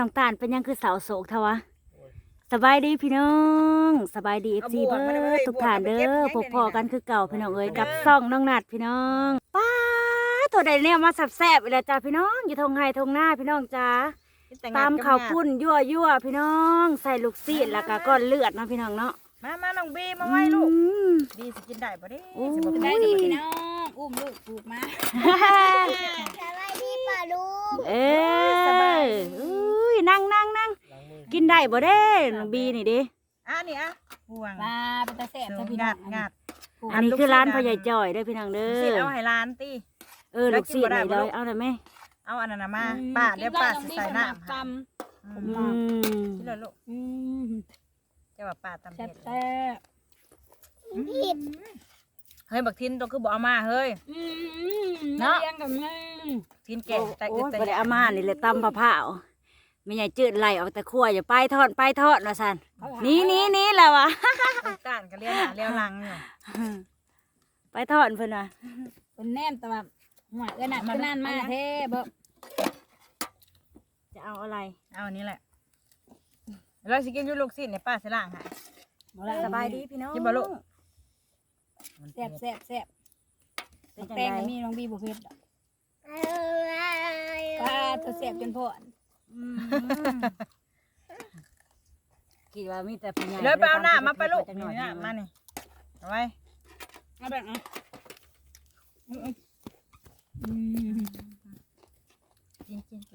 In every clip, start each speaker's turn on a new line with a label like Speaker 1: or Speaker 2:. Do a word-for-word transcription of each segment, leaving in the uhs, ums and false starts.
Speaker 1: น้องตาลเป็นยังคือสาวโศกทวะสบายดีพี่น้องสบายดีเอฟซีเด้อทุกท่านเด้อพบพอกันคือเก่าพี่น้องเอ้ยกับซ่องน้องนัดพี่น้องป้าตัวใดเนี่ยมาแซ่บๆอีกแล้วจ้าพี่น้องอยู่ทงไห้ทงหน้าพี่น้องจ้าตามข้าวปุ้นยั่วยั่วพี่น้องใส่ลูกซีดแล้วก็ก้อนเลือดเนาะพี่น้องเนาะ
Speaker 2: มามาน้องบีมาไว้ลูกบีสิกินได้ปะเด้สิบ่
Speaker 3: ได้ดีพี่น้องอุ้มลูกปลูกมาสบายดีป่ะลูก
Speaker 1: เอ้ยอุ้ยนั่งนั่งนั่งกินได้บ่เด้น้องบีนี่ดิ
Speaker 2: อ่ะนี่อ่ะห่วง
Speaker 3: ปลาเป็นตาแสบจ้ะพี่น้
Speaker 2: งั
Speaker 3: อง
Speaker 2: ดงัด
Speaker 1: อันนี้คือร้านพ่อใหญ่จ่อยเด้อพี่น้องเด้อ
Speaker 2: สิเอาให้ร้านติ
Speaker 1: เออลูกซีดนี่เลยเอาได้ไหม
Speaker 2: เอาอันนั้นน่ะมาป้าเดี๋ยวป้าสิใส่น้ำค่ะ
Speaker 1: อืม
Speaker 2: กินเลยลูก
Speaker 3: อืม
Speaker 2: จะว่าป้าตำ
Speaker 3: แซ่
Speaker 2: เผ็
Speaker 3: บ
Speaker 2: ด
Speaker 3: แซ่บผิด
Speaker 2: เฮ้ยบักทินตัวคือบ่เอามาเฮ้ย
Speaker 3: เนาะเลี้ยงกับแม่
Speaker 2: ทินแก่แต่
Speaker 1: โอ้
Speaker 2: อึด
Speaker 1: ย
Speaker 2: แต่
Speaker 1: บ่ได้เอามานี่เลยตำมะพร้าวไม่ใหญ่จืดไหลออกแต่ขั้วอย่าไปทอดไปทอดว่าซั่นนี่นี่นี่แหละวะ
Speaker 2: ต้านก็เลี้ยวหน้าเลี้ยวหลังอยู่
Speaker 1: ไปทอดเพิ่นว่ะ
Speaker 3: คนแนมแต่ว่าหัวเอื้อหนักก็นั่นมาเท่บ่
Speaker 1: จะเอาอะไร
Speaker 2: เอาอันนี้แหละเราสิกินอยู่ลูกศิษย์เนี่ยป้าสิล้างให้
Speaker 1: สบายดีพี่น้อง
Speaker 2: กินบ่ลูก
Speaker 3: แซ่บแซ่บแซ่บ
Speaker 1: เป็นจัง
Speaker 3: แตง
Speaker 1: ได
Speaker 3: ก็มีน้องบีบ่เผ็ดดอกปลาตัวแซ่บจนพอน
Speaker 1: อืมคิดว่ามีแต่ผู้ใหญ่
Speaker 2: เลยไปเอาหน้ามาไปลูก
Speaker 1: จังหน่อย
Speaker 2: นี่นะมานี่เอาไว้
Speaker 3: เอาแบบอ่ะอืม
Speaker 2: กินกินกิน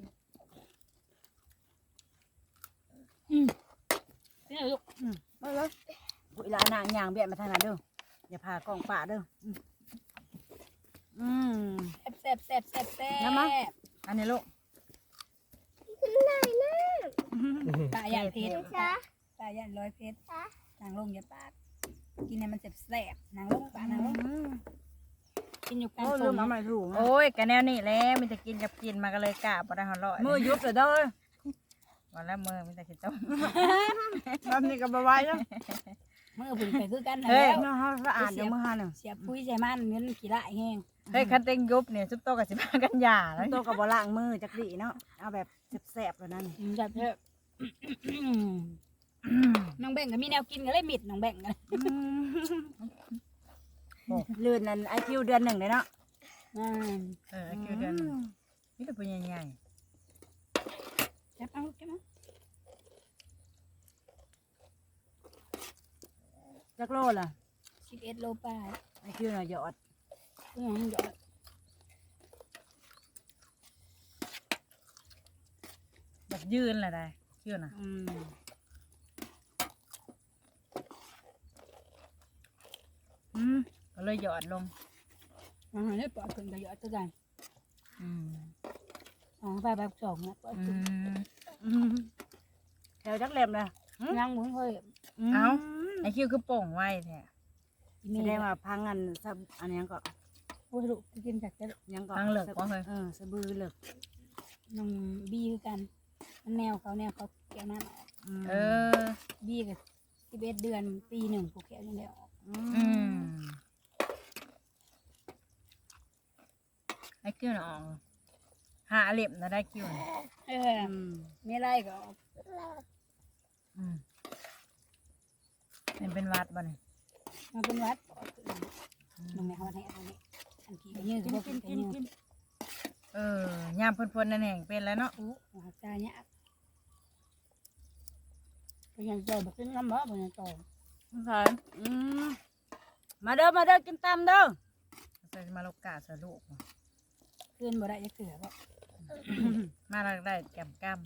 Speaker 3: อืมนี่ลูก
Speaker 1: มาเลยอุ้ยละนางย่างเบียดมาทางนั้นเด้ออย่าพากล้องป่าเด้ออืมอืม
Speaker 3: แซ่บแซ่บแซ่บแซ่บ
Speaker 1: น้ำมะ
Speaker 2: อันนี้ลูก
Speaker 3: ปลาย่างเผ็ดปลาย่างร้อยเผ็ดนางลงอย่าปากกินให้มันแซ่บแซ่บนางลงปลานางลงกินอยู่กลาง
Speaker 1: โอ้
Speaker 3: ฝ
Speaker 1: ลื
Speaker 3: น
Speaker 1: มเอามาถูก
Speaker 2: โอ้ยกะแนวนี่แหล้วมันจะกินกับกินมาก็เลยกะบ่ได้หอร่อย
Speaker 1: มือยุบเลยเด้อ
Speaker 2: วันละมือมันจะกินต้ม
Speaker 1: แบบนี้ก็บ่ไหวแล้ว
Speaker 3: มือผุนไปคือกัน
Speaker 2: เฮ้ย
Speaker 3: แล้ว
Speaker 1: เนาะเฮาสะอาดเดี๋ยวมือหาหนึ่ง
Speaker 3: เสียปุ้ยใส่มันเงินขี้ละแห้ง
Speaker 2: เฮ้ยคันเต็งยุบเนี่ยซุปโตกับสิบห้ากันยาแล้ว
Speaker 1: โตกับบ่ล้างมือจักดีเนาะเอาแบบแซ่บๆแล้วนั่น
Speaker 3: แบบเถอะน้องแบ่งก็มีแนวกินก็เลยมิดน้องแบ่งกัน
Speaker 1: เลื่อนนั่นไอคิวเดือนหนึ่งเลยเนาะ
Speaker 3: อืม
Speaker 2: เออคิวเดือนนี่เป็นปุยใหญ่
Speaker 3: จับเอาจับเอา
Speaker 1: จักโลล่ะ
Speaker 3: สิบเอ็ดโลปลาย
Speaker 1: ไอคิวน่ะหยอด
Speaker 3: อืมหยอด
Speaker 2: ๆแบบยืนแหละได้คิวน่ะ
Speaker 1: อืม
Speaker 2: อืมก็เลยหยอดลง
Speaker 3: อ่าเนี่ยปลอดคนก็หยอดตัวกัน
Speaker 2: อืม
Speaker 3: อ๋อไปแบบสองนะปลอด
Speaker 2: อื
Speaker 3: คน
Speaker 2: ม
Speaker 1: อืมแถวจักเล็มเลย
Speaker 3: นั่งหมุนเฮ้ย
Speaker 1: ม
Speaker 2: เอ้า ไอคิวคือโป่งไว้แท้
Speaker 1: แสดงว่าพังอันซับอันนี้ก็
Speaker 3: โอ้ยลูกกินจากจะ
Speaker 1: ยังก็
Speaker 2: ทางเหลือกว่าเฮ้ย
Speaker 1: เออสะบือเหลือก
Speaker 3: น้องบีคือกันมันแนวเขาแนวเขาแก้วน้ำออก
Speaker 1: ม
Speaker 2: เออ
Speaker 3: บีกับสิบเอ็ดเดือนปีหนึ่งผูกแขนยังได้ออก
Speaker 2: อืมไอคิวน่ะออกหาเล็บนะได้คิวน่ะ
Speaker 3: เออ
Speaker 1: อืม
Speaker 3: ไม่ไรก็ออก
Speaker 2: อืมมันเป็นวัดบ่เนี่ย
Speaker 3: มาเป็นวัดออกน้องแม่เขาให้เอาเนี่ยอันที่ก็ยืด
Speaker 1: กิน
Speaker 3: เขา
Speaker 1: กิ
Speaker 3: กิ
Speaker 1: น
Speaker 3: น
Speaker 1: กิน
Speaker 3: ยื
Speaker 1: กิน
Speaker 3: ด
Speaker 2: เออยามเพิ่นๆนั่นแห่งเป็นแล้วเนาะ
Speaker 3: โอ้หัวใจเนี่ยเป็นยังเจอแบบเป็นน้ำบ่เป็นยังโต
Speaker 1: ใช่อืมมาเด้อมาเด้อกินตามเด้อ
Speaker 2: ใส่มาโลกาสลูก
Speaker 3: ขึ้นบ่ได้จะเกลือบ่
Speaker 2: มาลักได้แกมก้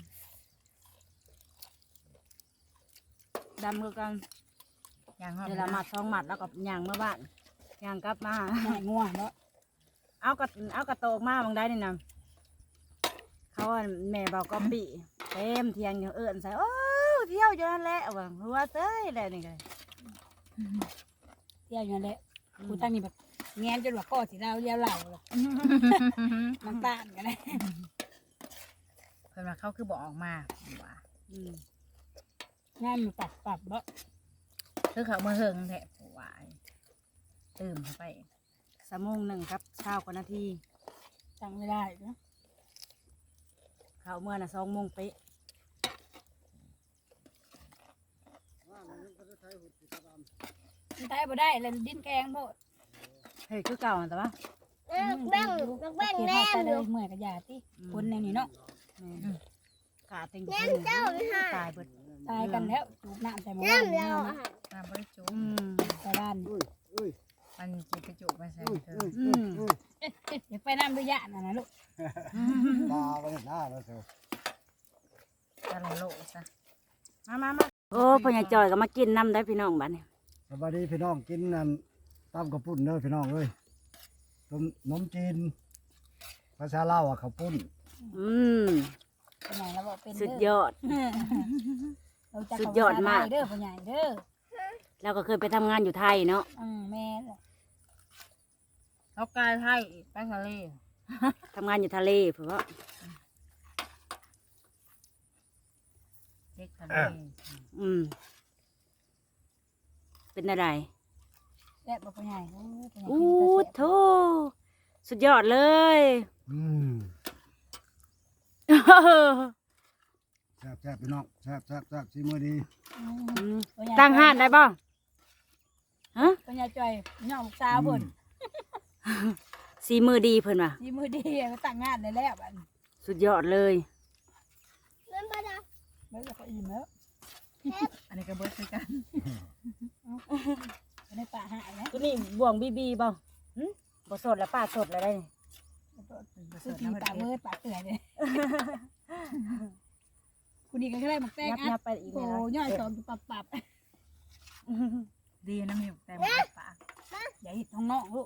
Speaker 1: ดำมือกัน
Speaker 2: ำอย่างหอม
Speaker 1: เดี๋ยวเราหมัดสองหมัดแล้วก็ย่างเมื่อบ้านย่างกลับมา
Speaker 3: หน่อยง่วงบ่
Speaker 1: เอากระเอากระโตกมาบางได้นี่นะเขาว่าแม่บอกก็ปีเต็มเทียงอยู่เอิญใส่โอ้เที่ยวอยู่นั่นแหละว่าหัวเต้ยอะไรนี่ไง
Speaker 3: เที่ยวอยู่นั่นแหละกูตั้งนี่แบบแงนจนว่าข้อสิเราเลี้ยวเหล่าเลยน้ำตาลกันเลย
Speaker 2: เพิ่นว่าเขาคือบอกออกมาว่า
Speaker 1: อืม
Speaker 3: งานมันปรับปรับบ่
Speaker 2: คือเขามาเฮิงแท้ว่าตื่มเข้าไป
Speaker 1: สามโมงหนึ่งครับเช้ากว่านาที
Speaker 3: จังไม่ได้เนาะ
Speaker 1: เขาเมื่อน่ะสองโมงเป๊ะ
Speaker 3: มันตายบ่ได้เลยดิ้นแกงโพด
Speaker 1: เฮ้ยคือเก่าแต่ว่า
Speaker 4: แบ่งแบ่งแน่
Speaker 3: แต่
Speaker 4: อ
Speaker 3: เล
Speaker 4: ยู่
Speaker 3: ยเมื่อยกับยาติคนแนวนี้เนาะ
Speaker 1: ขาเต็ง
Speaker 4: แน่เจ้าไม่ให้
Speaker 1: ตายเบิด
Speaker 3: ตายกันแล้วจูบน้ำใส่หม้อ
Speaker 4: แน่
Speaker 3: น้
Speaker 4: เรา
Speaker 2: น้ำบริจุ
Speaker 1: อืม
Speaker 3: ำใส่บ้าน
Speaker 2: มันจะกระจุไปใส่เธอ
Speaker 1: อืม
Speaker 3: เดี๋ยวไปน้ำด้วยยาน่ะนะลูก
Speaker 5: ตาไปหน้าแล้วเถอะ
Speaker 2: ตะละโลซะ
Speaker 1: มามามาโอ้พ่อใหญ่จอยก็มากินน้ำได้พี่น้องบ้านนี้
Speaker 5: สวัสดีพี่น้องกินนั่นตำกระปุ้นเด้อพี่น้องเอ้ยต้มนมจีนภาษาลาวอ่ะข้าวปุ้น
Speaker 1: อืม
Speaker 3: เป็นไงเราบอกเป็น
Speaker 1: สุด
Speaker 3: เด้อย
Speaker 1: อด
Speaker 3: เราจะ
Speaker 1: สุดยอดมาก
Speaker 3: เด้อพ่อใหญ่เด้อ
Speaker 1: เราก็เคยไปทำงานอยู่ไทยเนาะ
Speaker 3: อืมแม่
Speaker 2: แล้วกายไทยไปทะเล
Speaker 1: ทำงานอยู่ทะเลเพราะว่า
Speaker 2: เด็กทะเล
Speaker 1: อืมเป็นอะไร
Speaker 3: แซ่บบ่พ่อใหญ่โอ้พ่อใหญ่
Speaker 1: อู้
Speaker 3: กินแต่
Speaker 1: โธ่สุดยอดเลย
Speaker 5: อืมแซ่บแซ่บพี่น้องแซ่บแซ่บแซ่บซีมือดี
Speaker 3: อืม
Speaker 1: อืม
Speaker 3: พ่อใญ่
Speaker 1: ตั้งห้านได้บ่ฮะ
Speaker 3: พ่อใหญ่จ่อยย่องสาวเพิ่น
Speaker 1: สีมือดีเพิ่นว่ะ
Speaker 3: ยีมือดีไปตั้งงานได้แล้วบัดนี้
Speaker 1: สุดยอดเลย
Speaker 4: เล่นปะจ๊ะ
Speaker 3: เบิ่งแล้วก็อิ่มแล้ว
Speaker 2: อันนี้ก็เบิร์ดคือกัน
Speaker 3: บ่ได้ป่าหายนะ
Speaker 1: ตัวนี้บ่วงบีบีบ่หึบ่สดแล้วป้าสดแล้วได้นี่
Speaker 3: คือกินปลาเบิดปลาเตื่อยเลยคุณนี่ก็ได้หมักแตง
Speaker 1: ยับ
Speaker 3: อั
Speaker 1: ยั
Speaker 3: ด
Speaker 1: บไปอีก
Speaker 3: โอ้
Speaker 1: แล้ว
Speaker 3: ย่อยสองปับปับ
Speaker 2: ดีนะมีแต่หมปลา
Speaker 3: อย่าหิดท้องน้องลูก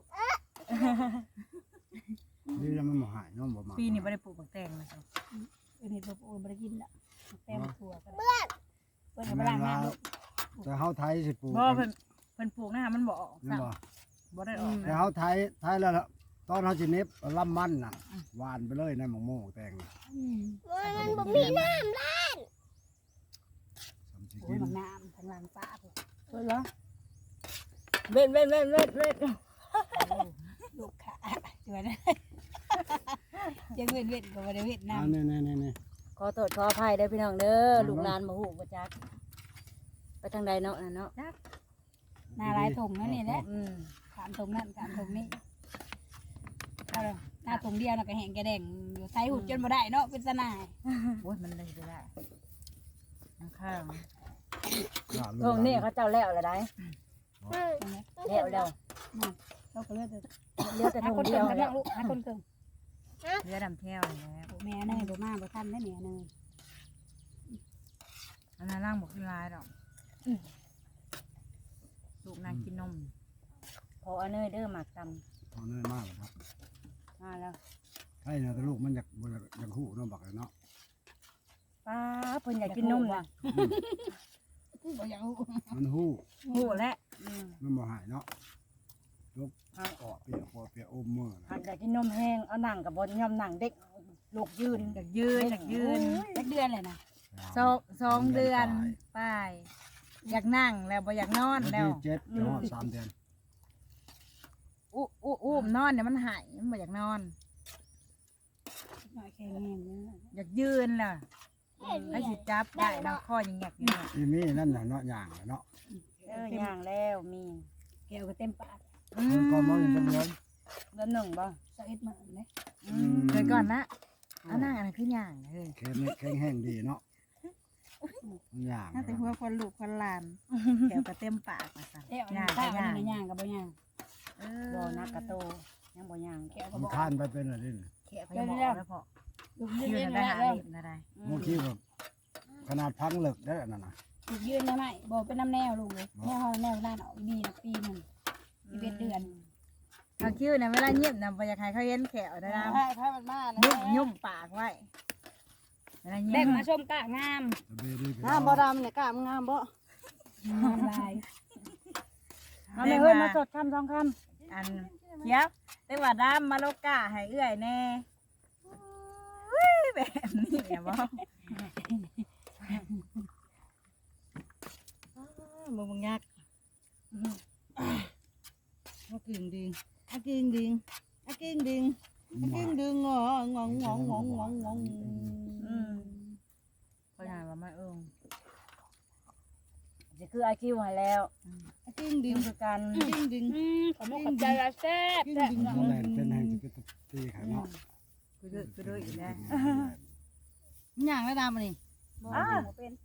Speaker 5: นี่แล้วมันบ่หายเน้องบ่มา
Speaker 2: ปีนี้ไม่ได้ปลูกบักแตงนะจ๊ะ
Speaker 3: เอ็นเห็ดบ่โอ้บ่ได้กินละหมักแตงถั่วกันเบิดเบิดเอาไปล้างน้ำลูก
Speaker 5: แต่เฮาไทยสิปลูก
Speaker 2: บ่เพิ่นเพิ่นปลูกนะคะมันบ่ออก
Speaker 5: นั่น
Speaker 2: ซ้
Speaker 5: บ่
Speaker 2: ำบ่ได้ออก
Speaker 5: แต่เฮาไทยไทยแล้วล่ะตอนเฮาสิเน็บเอาลำมันน่ะหวานไปเลยในหมองโม่แตงน่ะ
Speaker 3: อืม
Speaker 4: มันบ่มีน้ำละ
Speaker 5: สำสิ
Speaker 3: โอ้
Speaker 5: กิ
Speaker 3: ย
Speaker 5: น
Speaker 3: หมักน้ำทางหลังป้าพุ่น
Speaker 1: เพิ่นเหรอเว้นเว้นเว้นเว้นเว้น
Speaker 3: ลูกขาจวนยังเว้นเว้นก็บ่ได้เว้น
Speaker 5: อ่า
Speaker 3: น้ำ
Speaker 5: นี่ๆๆๆ
Speaker 1: ขอโทษขออภัยเด้อพี่น้องเด้อลูกหลานบ่ฮู้บ่จักไปทางใดเนาะน่ะเนาะ
Speaker 3: หนาลายถงนั่นนี่แหละ
Speaker 1: อืม
Speaker 3: ขามถงนั่นขามถงนี่เอาล่ะหน้าถงเดียวน่ะก็แห้งแกแดงอยู่ไทยหุดจนบ่ได้เนาะเป็นสนาย
Speaker 2: โอ้ยมันเลยไปได้ข้าง
Speaker 1: ตรงนี้เขาเจ้าแล้วแล้วได้ แล้วแล้ว
Speaker 3: เราก็เลือก
Speaker 1: เหลือแต่
Speaker 3: หา
Speaker 1: ทง
Speaker 3: คน
Speaker 1: เดี
Speaker 3: เกิ
Speaker 1: ยว
Speaker 3: งกัน
Speaker 1: แล้
Speaker 3: เนาะ
Speaker 1: ว
Speaker 3: ลูกหาคนเกิง
Speaker 2: เรือดำแท้วนี่แหละ
Speaker 3: โอ้แม่เนยบ่มาบ่ทันได้แม่เนย
Speaker 2: อันนั้นร่างบ่ขึ้นลายดอกลูกนางกินนม
Speaker 1: พอเอาเนยเด้อหมักต
Speaker 5: เอาเนยมากเลยครับ
Speaker 1: ำมาแล้ว
Speaker 5: ใช่เนาะแต่ลูกมันอยากบ่อยากอยากฮู้เนาะบักเลยเนาะ
Speaker 1: ป้าเพิ่นอยากกินนมว่ะ
Speaker 3: บ่อยากรู้
Speaker 5: มันฮู้
Speaker 2: โอ้และ
Speaker 1: อืม
Speaker 5: มันบ่หายเนาะลูกออกเปียกพอเปียกอมมือ
Speaker 1: หันอยากกินนมแห้งเอาหนังกับบนยอมหนังเด็กลูกยืน
Speaker 2: อยากยืนอยากยืน
Speaker 3: สักเดือนเลยนะ
Speaker 2: สองสองเดือนไป้าย อยากนั่งแล้วบ่อยากนอน
Speaker 5: วัน
Speaker 2: แล้ว
Speaker 5: ที่เจ็ดจะฮอดสามเดือน
Speaker 2: อู้อู้อู้มนอนเนี่ยมันหายมันบ่อยากนอน
Speaker 3: หน่อยแข็งแรงเนอะ
Speaker 2: อยากยืนล่ะให้สิจับได้แล้วข้อยังแงกอยู่เนี่ย
Speaker 5: อีมีนั่นน่ะเนาะย่างน่ะเนาะ
Speaker 1: เออย่างแล้วมี
Speaker 3: แก้วก็เต็มปาก
Speaker 2: อื
Speaker 5: เพิ่นก็มองอยู่จังเลย
Speaker 1: เดือนหนึ่งบ่
Speaker 3: สักเอ็ดมื้อเลย
Speaker 1: อืม
Speaker 2: เคยก่อนนะเอานั่งอันนั้นคืออย่างเฮ้ย
Speaker 5: แข็งแข็งแห้งดีเนาะย่าง
Speaker 2: น่าจะหัวคนลูกคนหลานแถวกระเต็มปากมาสั่น
Speaker 3: แก้วอันนี้ข้าวอันนี้ย่างกับบ่ย่าง
Speaker 2: เอ
Speaker 1: บ่
Speaker 2: อ
Speaker 1: นักกระโตยังบ่ย่าง
Speaker 3: แก้วก็
Speaker 5: มัน
Speaker 3: บ่
Speaker 5: ทานไปเป็นอะไรนี่
Speaker 2: แขกไปหมอแล้วพอ
Speaker 3: ลูกยืน
Speaker 2: ยืน
Speaker 3: ได้
Speaker 2: ได้
Speaker 3: ไหม
Speaker 2: หา
Speaker 3: แล้ว
Speaker 2: เล็บอะไร
Speaker 5: เมื่อกี้แบบขนาดพังเหล็กได้อันนั้นน่ะ
Speaker 3: ลูกยืนได้ไหมบ่เป็นน้ำแนวลูกเลยแนวเฮาแนวด้านออกดีนะปีหนึงสิบเอ็ดเดือน
Speaker 2: เขาคิ้วนะเวลาเงียบนะบ่อยากให้เขาเห็นแขวได้นะ
Speaker 3: ใช่ถ้ามันมานะ
Speaker 2: ยุ่มยุ่มปากไว้เวลาเงี
Speaker 3: แบ่
Speaker 2: ย
Speaker 3: ง
Speaker 2: บ
Speaker 3: มาชมกะงาม
Speaker 5: ตะเบดีไป
Speaker 1: งามบ่ดำเนี่ยกล้ามงามบ่
Speaker 3: งามลาย
Speaker 1: เอาเลยเฮ้ยมาสดคำสองค
Speaker 2: อันเดี๋ยวแต่ว่าดามมาโลกาให้เอื้อยแน่อุ้ยแบบนี้แหละบ่มึงมึงยัก
Speaker 1: ำกินดิงอากินดิงอากินดิงอากินดิงงองงงงงงงงง
Speaker 2: อืมพยานว่าไม่เอิง
Speaker 5: ม
Speaker 1: จะคือไอคิวหายแล้ว
Speaker 3: ดึงดึ
Speaker 1: ดึ
Speaker 3: ง
Speaker 1: งคือกัน
Speaker 3: ดึงดึงขอมขอบใจละแซ่บ
Speaker 5: แลนเป็นแห่งจะเป็นตีขาเนาะ
Speaker 2: กูด้วยกูด้วยอีกแล้ว
Speaker 3: ย่างแล้วดามนี่
Speaker 1: อ้า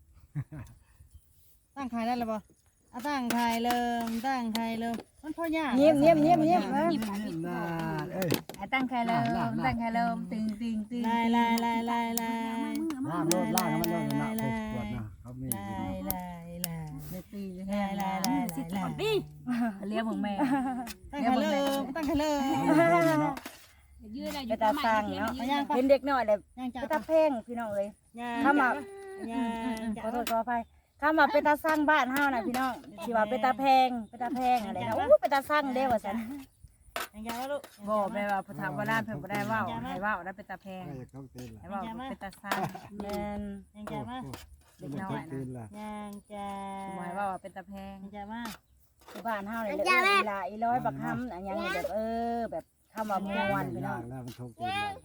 Speaker 3: ตั้งขายได้แล้วบ่อ่ะตั้งขายเริ่มตั้งขายเริ่มมันพอย่าง
Speaker 1: เงียบเงียบเงียบเงียบนะ
Speaker 5: น่าเอ้ย
Speaker 2: ไอ้ตั้งใครเริ่มตั้งใครเริ่มตึงตึงตึง
Speaker 3: ลายลายลายลายลาย
Speaker 5: ล่างโลดล่างมันโลดนะปวดนะเขามี
Speaker 3: ลายลายลาย
Speaker 2: เดี๋ยวตี
Speaker 3: ลายลายลายสิถอดดิ
Speaker 2: เลี้ยงของแม่
Speaker 3: ตั้งขายเริ่มตั้งขายเริ่ม
Speaker 4: ยืดอะไรอ
Speaker 1: ไป
Speaker 4: ยู่
Speaker 1: ตาสั่งเนาะเห็นเด็กน้อยเลย
Speaker 3: ย่างจ้า
Speaker 1: ไปตาเพงพี่น้องเลย
Speaker 3: ย่าง
Speaker 1: ถ้ามา
Speaker 3: ย่างจ้า
Speaker 1: ขอโทษขออภัยถ้ามาเป็นตาสร้างบ้านเฮานะพี่น้องสิว่าเป็นตาแพงเป็นตาแพงอะไรนะอู้เป็นตาสร้างเด้อว่าซั่น
Speaker 3: ย่างจ้าแล้วลูก
Speaker 2: บอกไปว่าพอถามว่าด้านเพิ่นบ่ได้ว่าวให้ว่าวได้เป็นตาแพง
Speaker 5: ใครจะเข้าตีน
Speaker 2: ให้
Speaker 5: ล่ะ
Speaker 2: ว่าวเป็นตาซ่า
Speaker 1: แม่น
Speaker 3: ย่างจ้ามา
Speaker 5: เด็กน้อยตีนล่ะ
Speaker 3: ย่างจ้า
Speaker 2: หมายว่าเป็นตาแพง
Speaker 3: ย่างจ้ามา
Speaker 1: ที่บ้านเฮานี่เลยเอ้ยอีหลาอีร้อยบักคำอันหยังนี่แบบเออแบบคำว่ามวนพี่น้อง
Speaker 5: แล้วมันทุกตีนล่ะ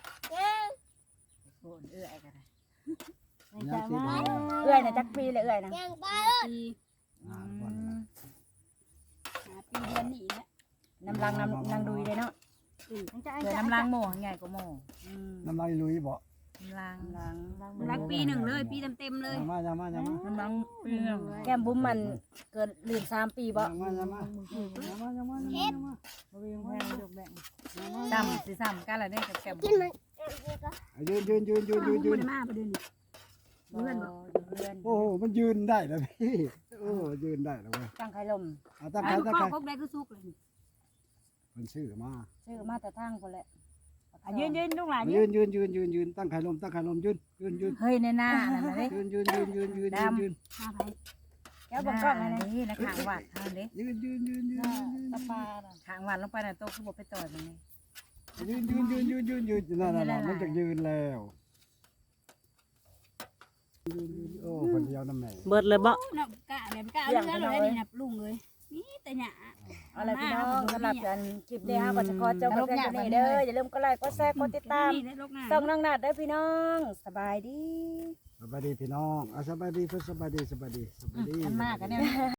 Speaker 2: โอนเอื้อยกัน
Speaker 3: ย่างจ้ามา
Speaker 1: เอื้อยน่ะจักปีเลยเอื้อยนะ
Speaker 4: ยังไป
Speaker 5: อ่าวันละ
Speaker 3: ปีเดือนนี้แหละ
Speaker 1: น้ำลังน้ำนางดุยเลยเนาะ
Speaker 3: ย่างจ้า
Speaker 2: เกิดน้ำล้างโม่ใหญ่กว่าโม่
Speaker 1: อืม
Speaker 5: น้ำลายลุยบ่
Speaker 2: น้ำล้าง
Speaker 1: น้ำลัง
Speaker 3: รักปีหนึ่งเลยปีเต็มๆเลย
Speaker 5: อย่ามาอย่ามาอย่ามา
Speaker 2: น้ำล้างปีนึง
Speaker 1: แก้มบุ้มมันเกิดลืมสามปีบ่
Speaker 5: อย่ามาอย่ามาอย่ามาอย่ามาอย่ามา
Speaker 2: บ่มีแพงยกแบ่งซ้ำสิซ้ำกันละเด้กับแก้ม
Speaker 4: กินมัน
Speaker 5: ยืนยืนยืนยืนยืนยืน
Speaker 3: มาประเด็นนี้
Speaker 1: เพื่อนบ่เพื่อน
Speaker 5: โอ้โหมันยืนได้แล้วพี่โอ้ยืนได้แล้วเว้ย
Speaker 1: ตั้งไข่ลม
Speaker 5: เอาตั้งใครตั้งใคร
Speaker 3: พวกได้ก็สุกเลย
Speaker 5: มันชื่อมา
Speaker 1: ซื้อมาแต่ทางคนแหละ
Speaker 2: ยืนยืนลูกหลานยื
Speaker 5: ยื
Speaker 2: น
Speaker 5: นยืนยืนยืนยืนตั้งใครลมตั้งใครลมยืนยืนยืน
Speaker 2: เฮ้ยในหน้านั่นน่ะเด้
Speaker 5: ยืนยืนยืนยืนยืนยืนยืน
Speaker 3: มาไป
Speaker 1: แก้วบังกล้องไงนะ
Speaker 2: นี่นะขางวัดทางเด้
Speaker 5: ยืนยืนยืนยืน
Speaker 3: ตะปา
Speaker 2: ขางวัดลงไปน่ะโตคือบ่ไปต่อยมันนี่
Speaker 5: ยืนยืนยืนยืนยืนยืนนั่นน่ะมันจะยืนแล้วยืนยืนโอ้คนเดียวน้ำแม่
Speaker 1: เบิดเลยบ่
Speaker 3: นับกะแบบกะเรือเลยนี่นับลุงเลยนี่แต่หยา
Speaker 1: เอาล่ะไรพี่น้องสำหรับการคลิปนี้เฮาก็จะขอจบกันเพียงเท่านี้เด้ออย่าลืมกดไลค์กดแชร์กดติดตาม
Speaker 3: นี่ได้ลกหน้า
Speaker 1: ส่องน้องนัดเด้อพี่น้องสบายดี
Speaker 5: สบายดีพี่น้องอ่ะสบายดีเพื่อนสบายดีสบายดีสบายดี
Speaker 2: มันมากกันเนี่ย